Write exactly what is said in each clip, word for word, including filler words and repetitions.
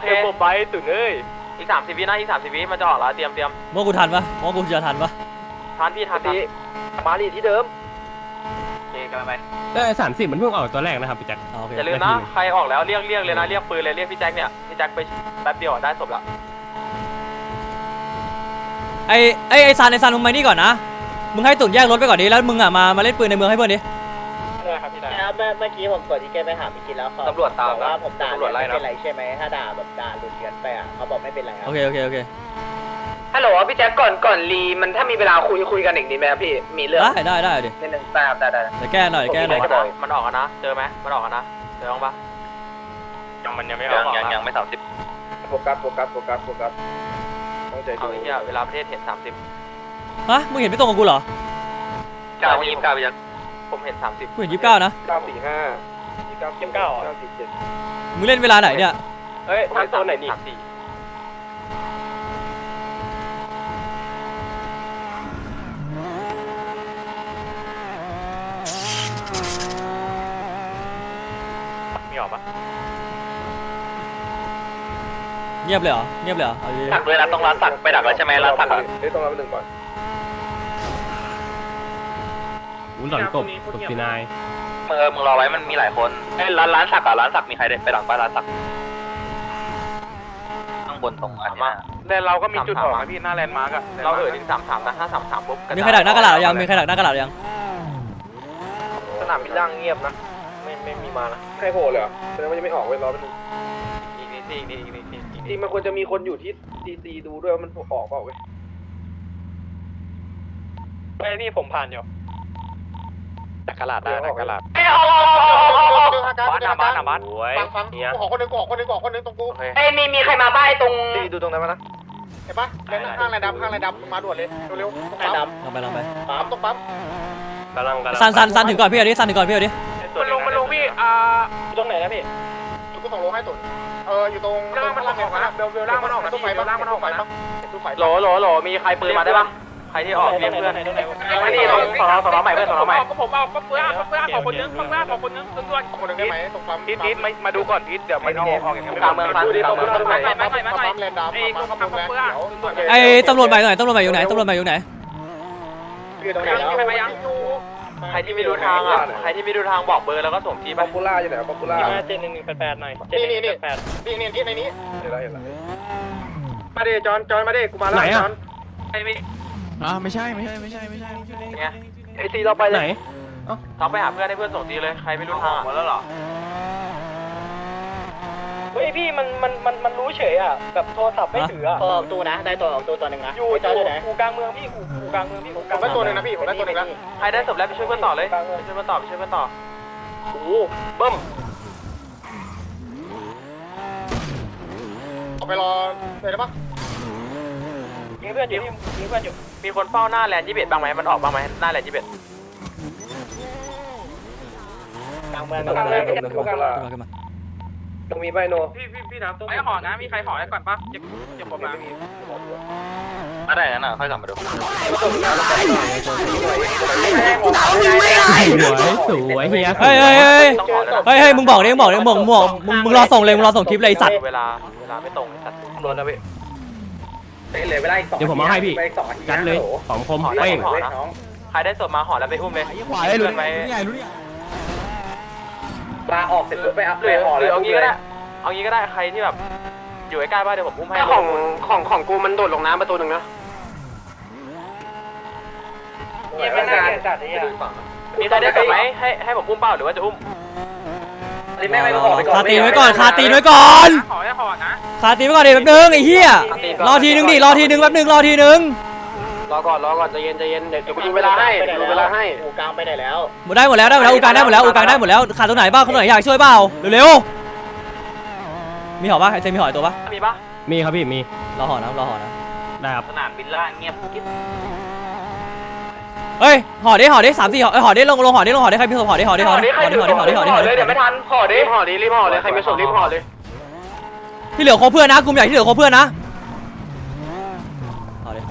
เคผมไปตุ่นเอ้ยอีกสามสิบวินะอีกสามสิบวิมันจะออกแล้วเตรียมเตรียมมองกูทันปะมองกูจะทันปะทันพี่ทันทีมาลีที่เดิมโอเคกันไปได้สามสิบมันเพิ่งออกตัวแรกนะครับพี่แจ็คอย่าลืมนะใครออกแล้วเรียกเรียกเลยนะเรียกปืนเลยเรียกพี่แจ็คเนี่ยพี่แจ็คไปแป๊บเดียวได้ศพละไอไอไอซันไอซันมึงมานี่ก่อนนะมึงให้ตุ่นแยกรถไปก่อนดิแล้วมึงอ่ะมามาเล่นปืนในเมืองให้เพื่อนดิได้ครับพี่ได้เมื่อเมื่อกี้ผมกดที่แกไปหาพี่กินแล้วเขาตำรวจตามว่าผมด่าไม่เป็นไรใช่ไหมถ้าด่าแบบด่าหลุดเกินไปอ่ะเขาบอกไม่เป็นไรครับโอเคโอเคโอเคฮัลโหลพี่แจ็คก่อนก่อนรีมันถ้ามีเวลาคุยคุยกันอีกนิดไหมพี่มีเรื่องได้ได้ได้ดินิดนึงได้ครับได้ได้แต่แก้หน่อยแก้หน่อยมันออกนะเจอไหมมันออกนะเจอบ้างปะยังมันยังไม่ออกยังยังไม่สามสิบโฟกัสโฟกัสโฟกัสโฟกัสต้องใจดูเนี่ยเวลาประเทศเห็นสามสิบฮะมึงเห็นไม่ตรงกับกูเหรอเก้ายี่สิบเก้าไปยังผมเห็นสามสิบกูเห็นยี่สิบเก้านะเก้าสี่ห้ายี่สิบเก้ายี่สิบเก้าเก้าสี่เจ็ดมึงเล่นเวลาไหนเนี่ยเฮ้ยทางโซนไหนนี่มีออกปะเงียบเลยเหรอเงียบเลยเหรอดักเลยนะต้องร้านสักไปดักแล้วใช่ไหมร้านสักเฮ้ยต้องร้านไปหนึ่งก่อนวุ้นหล่อนกบกบซีนายมึงเออมึงรอไว้มันมีหลายคนเอ้ร้านร้านสักอ่ะร้านสักมีใครได้ไปดักไปร้านสักข้างบนตรงอันนี้แลนเราก็มีจุดออกนะพี่หน้าแลนด์มาร์กอะเราเออถึงสามสามนะถ้าสามสามปุ๊บมีใครดักหน้ากระดาษยังมีใครดักหน้ากระดาษยังสนามบินล่างเงียบนะไม่ไม่มีมานะใครโผล่เลยเหรอแสดงว่ายังไม่ออกเว้ยรอไปดูอีกนิดอีกนิดอีกนิดอีกนิดจริงมันควรจะมีคนอยู่ที่ตีตีดูด้วยว่ามันออกเปล่าเว้ยไปนี่ผมผ่านอยู่ดักกระดาษได้ดักกระดาษเอ้ยเอาเอาเอาเอาเอาบ้านบ้านบ้านฟังฟังกูขอคนหนึ่งกูขอคนหนึ่งกูขอคนหนึ่งตรงกูเอ้ยมีมีใครมาบ้านตรงดูตรงนั้นมั้ยนะเห็นปะเล่นข้างไรดำข้างไรดำมาด่วนเลยเร็วๆไรดำลงไปลงไปปั๊มตรงปั๊มกำลังกำลังซันซันซันถึงก่อนพี่เอาดิซันถึงก่อนพี่เอาดิมันลงมันลงพี่อ่าตรงไหนนะพี่กูส่งลงให้ตุ่นเอออยู่ตรงล่างมันออกนะเบลเบลล่างมันออกนะตู้ไฟล่างมันออกไปปะตู้ไฟโหลโหลโหลมีใครปืนมาได้ปะใครที่ออกเรียกเพื่อนไม่นี่สองสองใหม่เพื่อนสองใหม่ก็ผมเอาก็เพื่อนก็เพื่อนขอคนนึงเพื่อนขอคนนึงด่วนๆคนนึงได้ไหมตรงปั๊มพีทพีทมาดูก่อนพีทเดี๋ยวมันออกออกอย่างนี้กลางเมืองกลางเมืองไม่ไม่ไม่ไม่ไม่แลนด์ดาวไอ้ก็ปั๊มเพื่อนไอ้ตำรวจใหม่อยู่ไหนตำรวจใหม่อยู่ไหนตำรวจใหม่อยู่ไหนใครที่ไม่รู้ทางอ่ะใครที่ไม่รู้ทางบอกเบอร์แล้วก็ส่งที่ป๊อปปูล่าอยู่ไหนป๊อปปูล่าเจนหนึ่งหนึ่งแปดแปดหน่อยนี่นี่นี่นี่นี่ที่ในนี้เห็นแล้วเห็นแล้วมาดิจอนจอนมาดิกูมาแล้วจอนไอ้ไม่อ่าไม่ใช่ไม่ใช่ไม่ใช่ไม่ใช่ไงไอซีเราไปไหนเราไปหาเพื่อนให้เพื่อนส่งทีเลยใครไม่รู้ทางหมดแล้วหรอเฮ้ยพี่มันมันมันมันรู้เฉยอ่ะแบบโทรศัพท์ไม่ถืออ่ะตัวออกตัวนะได้ตัวออกตัวตัวหนึ่งนะอยู่อยู่กูกลางเมืองพี่กูกูกลางเมืองพี่กูกลางได้ตัวหนึ่งนะพี่ผมได้ตัวหนึ่งแล้วใครได้ศพแล้วไปช่วยเพื่อนต่อเลยไปช่วยเพื่อนต่อไปช่วยเพื่อนต่อโอ้เบิ้มเอาไปรอเลยได้ปะมีเพื่อนอยู่มีเพื่อนอยู่มีคนเฝ้าหน้าแลนด์ยี่สิบเอ็ดบ้างไหมมันออกบ้างไหมหน้าแลนด์ยี่สิบเอ็ดกลางเมืองกลางเมืองกลางเมืองขึ้นมาขึ้นมาตรงมีใบโนพี่พี่พี่น้ำตรงไอ้ห่อนะมีใครห่อได้ก่อนปะเก็บเก็บผมมามาได้แล้วนะค่อยกลับมาดูสวยสวยเฮียเฮ้ยเฮ้ยเฮ้ยเฮ้ยเฮ้ยมึงบอกดิมึงบอกดิมึงมึงมึงมึงรอส่งเลยมึงรอส่งคลิปเลยสัตว์เวลาเวลาไม่ตรงสัตว์ล้วนนะพี่เหลือเวลาอีกสองเดี๋ยวผมเอาให้พี่จัดเลยของคมเป้งใครได้ศพมาห่อแล้วไปอุ้มเลยขวาได้รู้ไหมรู้ใหญ่รู้ใหญ่ปลาออกเสร็จปุ๊บไปอัพเลยห่อเลยเอางี้ก็ได้เอางี้ก็ได้ใครที่แบบอยู่ใกล้ๆบ้านเดี๋ยวผมอุ้มให้ของของของกูมันโดดลงน้ำประตูหนึ่งนะมีใครได้กลับไหมให้ให้ผมอุ้มเปล่าหรือว่าจะอุ้มไม่ไม่ห่อไปก่อนคาตีไว้ก่อนคาตีไว้ก่อนห่อให้ห่อนะคาตีไว้ก่อนเดี๋ยวแป๊บนึงไอ้เหี้ยรอทีนึงดิรอทีนึงแป๊บนึงรอทีนึงรอก่อนรอก่อนใจเย็นใจเย็นเดี๋ยวกูดูเวลาให้ดูเวลาให้อูกลางไปไหนแล้วหมดได้หมดแล้วได้หมดแล้วอูกลางได้หมดแล้วอูกลางได้หมดแล้วขาดตรงไหนบ้างคนไหนอยากช่วยเปล่าเร็วๆมีห่อป่ะเจมีห่อตัวป่ะมีป่ะมีครับพี่มีรอห่อนะรอห่อนะได้ครับสนามบินล่างเงียบกิ๊บเฮ้ยห่อดิห่อดิสามสี่ห่อเอ้ยห่อดิลงลงห่อดิลงห่อดิใครมีศพห่อดิห่อดิห่อดิห่อดิห่อดิห่อดิห่อดิห่อดิเดี๋ยวไม่ทันห่อดิห่อดิรีบห่อเลยใครมีศพรีบห่อเลยที่เหลือครบเพื่อนนะกลุ่มใหญ่ที่เหลือครบเพื่อนนะห่อดิ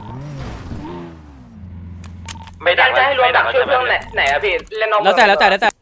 ไม่ดักจะให้รวมดักช่วยเพื่อนไหนไหนอะพี่เล่นน้องแล้วแต่แล้วแต่แล้วแต่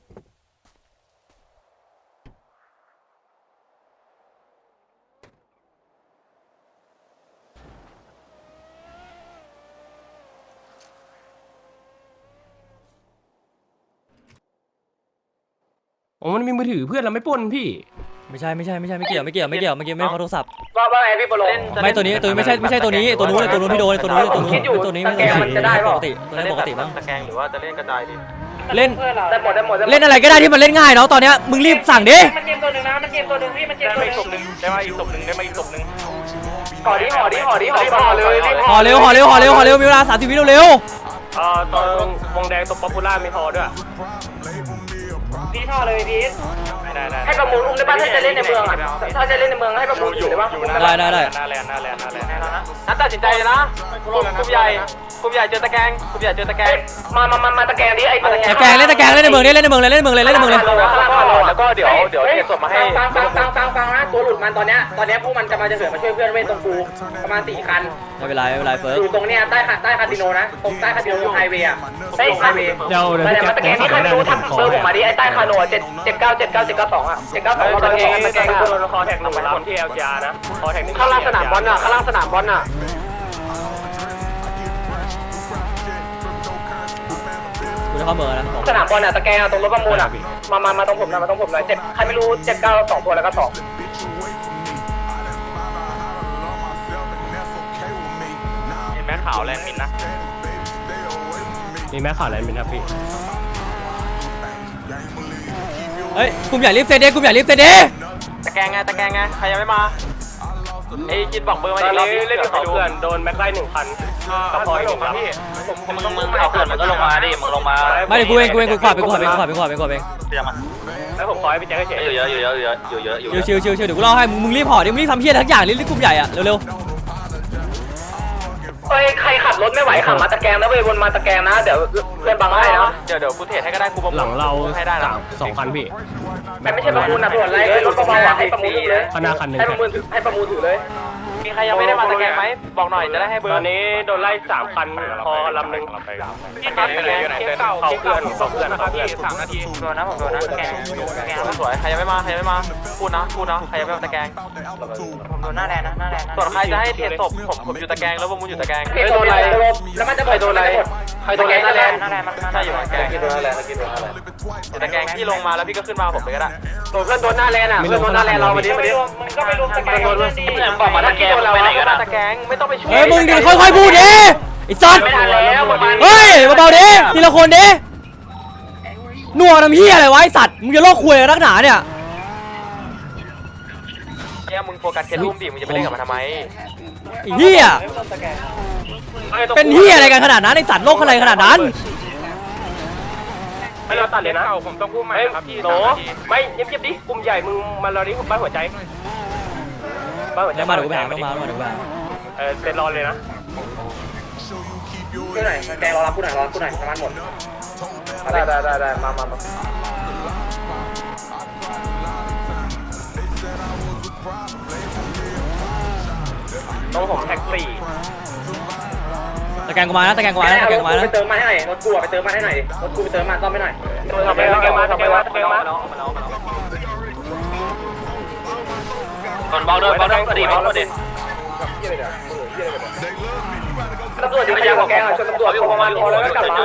โอ้มันมีมือถือเพื่อนเราไม่ปล้นพี่ไม่ใช่ไม่ใช่ไม่ใช่ไม่เกี่ยวไม่เกี่ยวไม่เกี่ยวเมื่อกี้ไม่ได้ขอโทรศัพท์ว่าว่าไงพี่บอลงไม่ตัวนี้ตัวนี้ไม่ใช่ไม่ใช่ตัวนี้ตัวนู้นตัวนู้นพี่โดนตัวนู้นตัวนู้นตัวนี้ไม่ใช่ปกติตัวนี้ปกติบ้างตะแกรงหรือว่าจะเล่นกระจายดิเล่นได้หมดได้หมดเล่นอะไรก็ได้ที่มันเล่นง่ายเนาะตอนเนี้ยมึงรีบสั่งดิมันเกมตัวหนึ่งนะมันเกมตัวหนึ่งพี่มันเกมได้ตัวมาหอีนึ่กงศพหนึ่งได้มาอีกศพหนึ่งได้มาอีกศพหนึ่งห่อดิห่อดิห่อดิห่อห่อเลยห่อเร็วห่อเร็วห่อเร็วห่อเร็วมีเวลาสามสิบวิเร็วเอ่อตอนวงแดงตบป๊อปปูล่ามีทอด้วยพี่ห่อเลยพี่ได้ได้ให้ประมูลอุ้มได้ป่ะถ้าจะเล่นในเมืองอ่ะถ้าจะเล่นในเมืองให้ประมูลอยู่ได้ป่ะได้ได้ได้หน้าแลนหน้าแลนหน้าแลนนัดตัดสินใจเลยนะกลุ่มใหญ่กลุ่มใหญ่เจอตะแกรงกลุ่มใหญ่เจอตะแกรงมามามามาตะแกรงดิไอ้ตะตะแกรงเล่นตะแกรงเล่นในเมืองนี่เล่นในเมืองเลยเล่นในเมืองเลยเล่นในเมืองเลยแล้วก็เดี๋ยวเดี๋ยวเดี๋ยวส่งมาให้ฟังฟังฟังฟังฟังนะตัวหลุดมันตอนเนี้ยตอนเนี้ยพวกมันจะมาจะเสือมาช่วยเพื่อนเว้ยตรงกูประมาณสี่คันไม่เป็นไรไม่เป็นไรเฟิร์สอยู่ตรงเนี้ยใต้ใต้คาสิโนนะตรงใต้คาสิโนไฮเวย์อ่ะใต้ไฮเวย์เดี๋ยวเดี๋ยวมาพี่เดี๋ยวแจ็มาคตะแกรงนี่ใครไม่รู้ทักเบอร์ผมมาดิไอ้ใต้คาโนเจ็ดเจ็ดเก้าเจ็ดเก้าเจ็ดเก้าสองอ่ะเจ็ดเก้าสองตะตะแกแกรรง งตะตะแกแกรรง งคนคอแท็กหนึ่งคนที่เอลจีอาร์นะคอแท็กนี่ข้างล่างสนามบอลอ่ะข้างล่างสนามบอลอ่ะกูจะเข้าเมืองนะสนามบอลอ่ะตะแกรงตรงรถประมูลอ่ะมามามาตรงผมหน่อยมาตรงผมหน่อยเจ็ดใครไม่รู้เจ็ดเก้าสองตัวแล้วก็สองเห็นไหมขาวแลนมินนะมีแม่ข่าวอะไรเป็นครับพี่เฮ้ยกลุ่มใหญ่รีบเซตเดกลุ่มใหญ่รีบเซตเดตะแกรงไงตะแกรงไงใครยังไม่มาไอ้กินบอกเบอร์มาตอนดินี้เล่นเขาเพื่อนโดนแม็กไล่หนึ่งพันกระพอยหนึ่งครับพี่ผมต้องมึงเอาเกินมันก็ลงมาดิมึงลงมาไม่เดี๋ยวกูเองกูเองกูขวาไปกูขวาไปกูขวาไปกูขวาไปกูขวาไปเดี๋ยวมาแล้วผมคอยพี่แจ็คเฉยอยู่เยอะอยู่เยอะอยู่เยอะอยู่เยอะอยู่ชิวชิวชิวชิวเดี๋ยวกูเล่าให้มึงมึงรีบห่อดิมึงรีบทำเพี้ยทั้งอย่างรีบกลุ่มใหญ่อะเร็วเฮ้ยใครขับรถไม่ไหวขับมาตะแกรงนะเว้ยวนมาตะแกรงนะเดี๋ยวเพื่อนบังให้นะเดี๋ยวเดี๋ยวกูเทรดให้ก็ได้กูบอกหลังเราให้ได้สามสองคันพี่แต่ไม่ใช่ประมูลนะส่วนอะไรรถประมูลให้ประมูลเลยคณะคันหนึ่งให้ประมูลถือให้ประมูลถือเลยมีใครยังไม่ได้มาตะแกรงไหมบอกหน่อยจะได้ให้เบอตร์อนนี้โดนไล่สามคันพอลำหนึ่งที่ครับอยู่ไหนอยู่ไหนเก่าเขาเพื่อนเขาเพื่อนเขาเพื่อนสามนาทีโดนนะผมโดนนะตะแกรงตะแกรงสวยใครยังไม่มาใครยังไม่มาพูดนะพูดนะใครยังไม่มาตะแกรงผมโดนหน้าแลนนะหน้าแลนส่วนใครจะให้เทรดศพผมผมอยู่ตะแกรงแล้วพวกมึงอยู่ตะแกรงเฮ้ยโดนอะไรแล้วมันจะใครโดนอะไรใครโดนอะไรหน้าแลนหน้าแลนใช่อยู่ตะแกรงโดนหน้าแลนกินโดนหน้าแลนตะแกรงที่ลงมาแล้วพี่ก็ขึ้นมาผมเลยก็ได้โดนเพื่อนโดนหน้าแลนอ่ะเพื่อนโดนหน้าแลนเรามาดิมาดิมึงก็ไปรวมตะแกรงด้วยสิบอกมาตะแกรงไปไหนกันตะแกรงไม่ต้องไปช่วยๆเฮ้ยมึงดิค่อยๆพูดดิไอ้สัตว์ไม่ทันแล้วประมาณเฮ้ยเบาๆดิทีละคนดิหน่วงทำเหี้ยอะไรวะไอ้สัตว์มึงจะโลกคุยกับนักหนาเนี่ยเนี่ยมึงโฟกัสแค่รูมดิมึงจะไปเล่นกับมันทำไมไอ้เหี้ยเป็นเหี้ยอะไรกันขนาดนั้นไอ้สัตว์โลกอะไรขนาดนั้นไม่เราตัดเลยนะผมต้องพูดใหม่ครับพี่โหลไม่เงียบๆดิกลุ่มใหญ่มึงมาเราดิบ้านหัวใจบ้านหัวใจเดี๋ยวมาเดี๋ยวกูไปหาต้องมาต้องมาเดี๋ยวกูไปหาเออเซ็นรอเลยนะพูดหน่อยแกรอรับพูดหน่อยรอพูดหน่อยประมาณหมดได้ได้ได้ได้มามามาต้องผมแท็กซี่ตะแกรงกูมานะตะแกรงกูมานะตะแกรงกูมานะไปเติมมาให้หน่อยรถกูไปเติมมาให้หน่อยรถกูไปเติมมาซ่อมให้หน่อยทำไปแล้วแกมาแกมาแกมาก่อนเบาด้วยเบาด้วยดีเบาด้วยดิตำรวจอยู่ขยันแกงอ่ะชนตำรวจประมาณพอแล้วก็กลับมา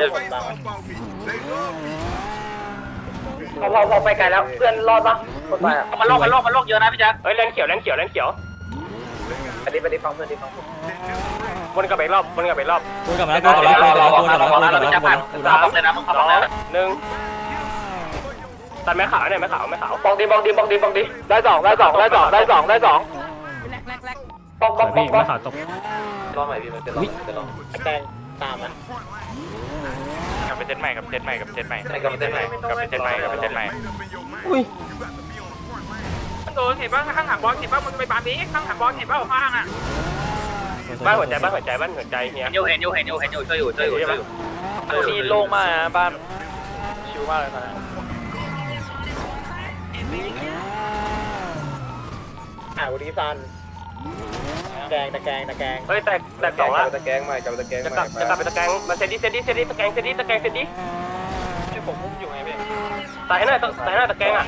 พอพอพอไปไกลแล้วเพื่อนรอดปะคนไปอ่ะมันโลกมันโลกมันโลกเยอะนะพี่แจ๊คเฮ้ยแลนเขียวแลนเขียวแลนเขียวไปดิไปดิฟังเพื่อนดิฟังวนกลับไปรอบวนกลับไปรอบกูกลับมาแล้วกูกลับมาแล้วกูกลับมาแล้วกูกลับมาแล้วกูกลับมาแล้วกูกลับมาแล้วสามเลยนะมึงขับแล้วหนึ่งตัดแม่ขาวเนี่ยแม่ขาวแม่ขาวบองดีบองดีบองดีบองดีได้สองได้สองได้สองได้สองได้สองปองปองปองพี่ปอแม่งขาวตกลองใหม่พี่มันจะลองจะลองแกงตามนะกับเป็นเซตใหม่กับเซตใหม่กับเซตใหม่กับเซตใหม่กับเซตใหม่กับเซตใหม่อุ้ยโดนเห็นป่ะข้างหลังบอลเห็นป่ะมึงไปบานนี้ข้างหลังบอลเห็นป่ะข้างอ่ะบ้านหัวใจบ้านหัวใจบ้านหัวใจเฮียเห็นอยู่เห็นอยู่เห็นอยู่เห็นอยู่ช่วยอยู่ช่วยอยู่ช่วยอยู่มีโล่งมากนะบ้านชิวมากเลยนะอ่าวันนี้ซันแกงตะแกงตะแกงเฮ้ยแตกแตกสองละตะแกงใหม่กับตะแกงจะกลับจะกลับไปตะแกรงมาเซตดิเซตดิเซตดิตะแกรงเซตดิตะแกรงเซตดิที่ผมพุ่งอยู่ไงพี่ตายให้หน่อยตายให้หน่อยตะแกรงอ่ะ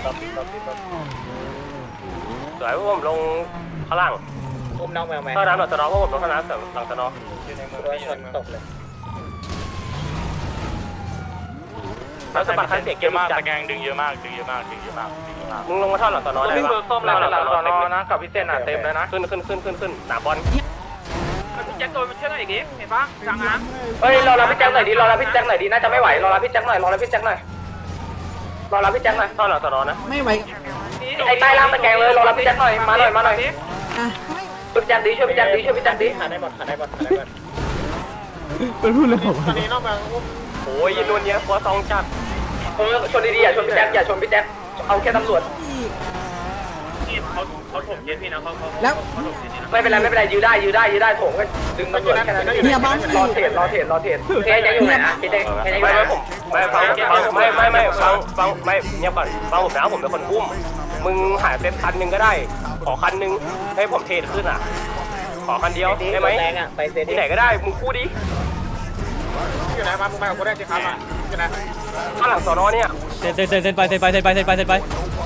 สวยผมลงข้างล่างอุ้มน้องแมวแมวข้างน้ำหลังสนอเพราะผมลงข้างน้ำหลังสนออยู่ในมือชนตกเลยแล้วสะบัดคันเสียงเกมมากตะแกงดึงเยอะมากดึงเยอะมากดึงเยอะมากดึงเยอะมากมึงลงมาท่อนหลังตอนนอนได้ปะส้มหลังหลังตอนนอนนะกับพี่เส้นอ่ะเต็มเลยนะขึ้นขึ้นขึ้นขึ้นขึ้นหนาบอลพี่แจ็คโดนมันเชื่อหน่อยอีกดิเห็นปะจังนะเฮ้ยรอรับพี่แจ็คหน่อยดิรอรับพี่แจ็คหน่อยดิน่าจะไม่ไหวรอรับพี่แจ็คหน่อยรอรับพี่แจ็คหน่อยรอรับพี่แจ็คหน่อยท่อนหลังตอนนอนนะไม่ไหวไอ้ใต้ล่างตะแกงเลยรอรับพี่แจ็คหน่อยมาหน่อยมาหน่อยอ่ะช่วยพี่แจ็คดิช่วยพี่แจ็คดิช่วยพี่แจ็คดิขาได้บอลขาได้บอลขาได้บอลเป็นพูดเลยผมตอนนี้นอกเมืองอุ้มโอ้ยยินโดนเนี้ยหัวซองจัดเออชนดีๆอย่าชนพี่แจ็คอย่าชนพี่แจ็คเอาแค่ตำรวจเขาเขาถมเย็นพี่นะเขาเขาแล้วไม่เป็นไรไม่เป็นไรยื้อได้ยื้อได้ยื้อได้โถงก็ดึงตำรวจแค่นั้นเนี่ยบ้านรอเทรดรอเทรดรอเทรดแค่จะอยู่ไหนนะแค่จะแค่จะอยู่ไม่ไหนไม่ผมไม่ฟังฟังไม่ไม่ไม่ฟังฟังไม่เงียบก่อนฟังผมนะผมเป็นคนอุ้มมึงหายเป็นคันหนึ่งก็ได้ขอคันหนึ่งให้ผมเทรดขึ้นอ่ะขอคันเดียวได้ไหมแรงอ่ะไปเซตที่ไหนก็ได้มึงพูดดิอยู่ไหนมามึงไปกับกูได้สิครับอ่ะอยู่ไหนข้างหลังสอนอเนี่ยเซ็นเซ็นเซ็นเซ็นไปเซ็นไปเซ็นไปเซ็นไปเซ็นไป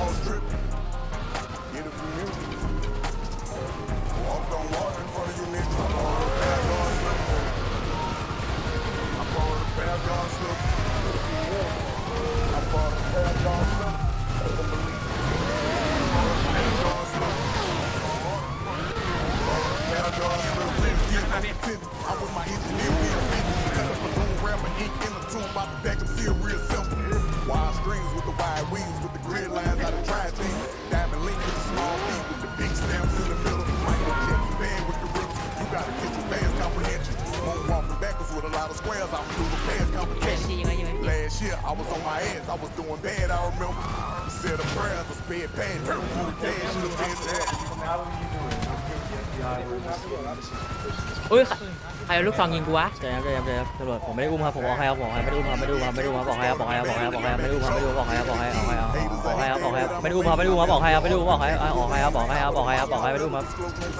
Wide strings with the wide wings with the grid lines out of tri things. Diamond link with the small feet with the big stamps in the middle. Michael Jackson band with the roots. You gotta get your fast comprehension. Moonwalking backwards with a lot of squares. I'm through the fast comprehension. Last year I was on my ass. I was doing bad. I remember. Said a prayer to spare pain. Through the dash should have been there. อุ้ยใครเอาลูกซองยิงกูวะใจครับใจครับใจครับตำรวจผมไม่ได้อุ้มครับผมบอกให้ครับบอกให้ไม่ได้อุ้มครับไม่ได้อุ้มครับไม่ได้อุ้มครับบอกให้ครับบอกให้ครับบอกให้ครับบอกให้ครับไม่ได้อุ้มครับไม่ได้อุ้มบอกให้ครับบอกให้บอกให้บอกให้ครับบอกให้ครับไม่ได้อุ้มครับไม่ได้อุ้มครับบอกให้ครับไม่ได้อุ้มบอกให้ออกให้ครับบอกให้ครับบอกให้ครับบอกให้ไม่ได้อุ้มครับ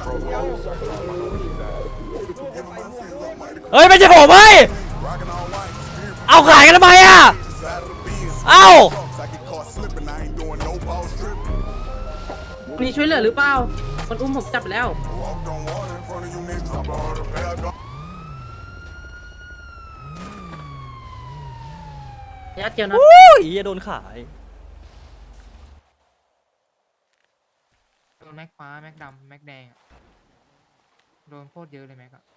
เฮ้ยไม่ใช่ผมเฮ้ยเอาขายกันทำไมอ่ะเอ้า I get caught slipping. I ain't doing no ball stripping. มีช่วยเหลือหรือเปล่าคนอุ้มผมจับแล้ว Walked on water in front of you niggas. I bought a pair of ยัดเจียวนะโอ้ยอย่าโดนขายโดนแม็กฟ้าแม็กดำแม็กแดงอะโดนโคตรเยอะเลยแม็กอะ